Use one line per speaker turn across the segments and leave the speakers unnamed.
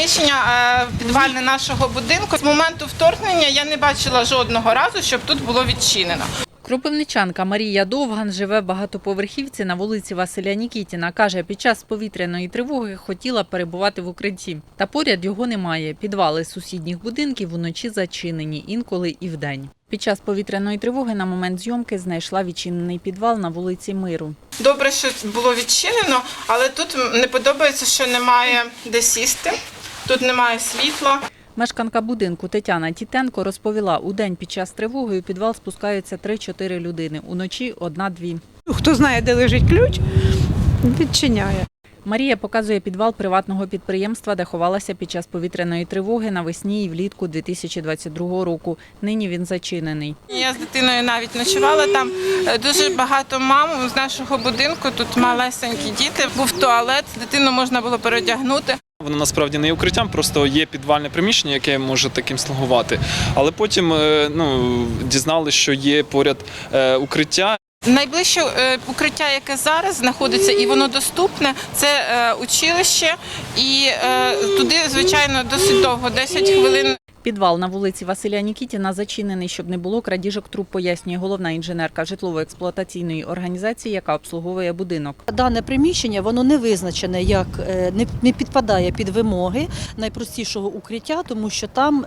приміщення підвальне нашого будинку. З моменту вторгнення я не бачила жодного разу, щоб тут було відчинено.
Кропивничанка Марія Довган живе в багатоповерхівці на вулиці Василя Нікітіна. Каже, під час повітряної тривоги хотіла перебувати в укритті. Та поряд його немає. Підвали сусідніх будинків вночі зачинені, інколи і вдень. Під час повітряної тривоги на момент зйомки знайшла відчинений підвал на вулиці Миру.
Добре, що було відчинено, але тут не подобається, що немає де сісти, тут немає світла.
Мешканка будинку Тетяна Тітенко розповіла, удень під час тривоги у підвал спускаються 3-4 людини, уночі 1-2.
Хто знає, де лежить ключ, відчиняє.
Марія показує підвал приватного підприємства, де ховалася під час повітряної тривоги навесні і влітку 2022 року. Нині він зачинений.
Я з дитиною навіть ночувала там. Дуже багато мам з нашого будинку, тут малесенькі діти. Був туалет, дитину можна було переодягнути.
Воно насправді не є укриттям, просто є підвальне приміщення, яке може таким слугувати. Але потім дізналися, що є поряд укриття.
Найближче укриття, яке зараз знаходиться і воно доступне, це училище. І туди, звичайно, досить довго, 10 хвилин.
Підвал на вулиці Василя Нікітіна зачинений, щоб не було крадіжок труб, пояснює головна інженерка житлово-експлуатаційної організації, яка обслуговує будинок.
Дане приміщення, воно не визначене, як не підпадає під вимоги найпростішого укриття, тому що там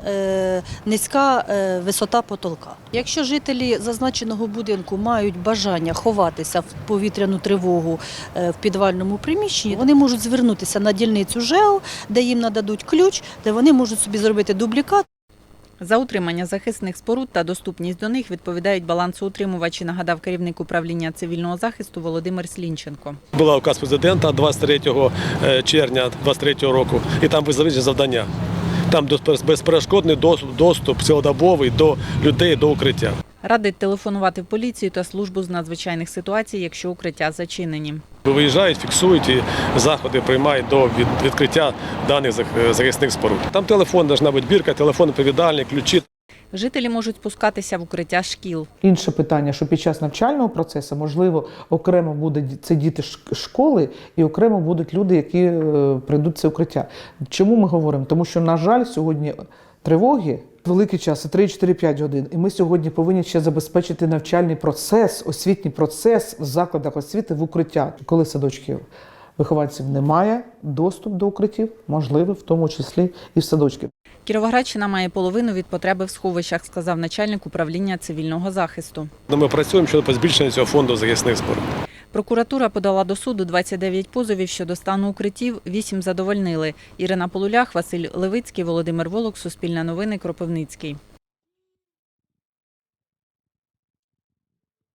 низька висота потолка. Якщо жителі зазначеного будинку мають бажання ховатися в повітряну тривогу в підвальному приміщенні, вони можуть звернутися на дільницю ЖЕО, де їм нададуть ключ, де вони можуть собі зробити дублікат.
За утримання захисних споруд та доступність до них відповідають балансоутримувачі, нагадав керівник управління цивільного захисту Володимир Слінченко.
Була указ президента 23 червня 2023 року, і там визначені завдання. Там безперешкодний доступ цілодобовий до людей, до укриття.
Радить телефонувати в поліцію та службу з надзвичайних ситуацій, якщо укриття зачинені.
Виїжджають, фіксують і заходи приймають до відкриття даних захисних споруд. Там телефон, має бути бірка, телефон відповідальний, ключі.
Жителі можуть спускатися в укриття шкіл.
Інше питання, що під час навчального процесу, можливо, окремо будуть це діти школи і окремо будуть люди, які прийдуть в це укриття. Чому ми говоримо? Тому що, на жаль, сьогодні тривоги великий час, 3-4-5 годин. І ми сьогодні повинні ще забезпечити навчальний процес, освітній процес в закладах освіти в укриття. Коли садочків вихованців немає, доступ до укриттів можливий, в тому числі і в садочки.
Кіровоградщина має половину від потреби в сховищах, сказав начальник управління цивільного захисту.
Ми працюємо щодо збільшення цього фонду захисних споруд.
Прокуратура подала до суду 29 позовів щодо стану укриттів, 8 задовольнили. Ірина Полулях, Василь Левицький, Володимир Волок, Суспільне новини, Кропивницький.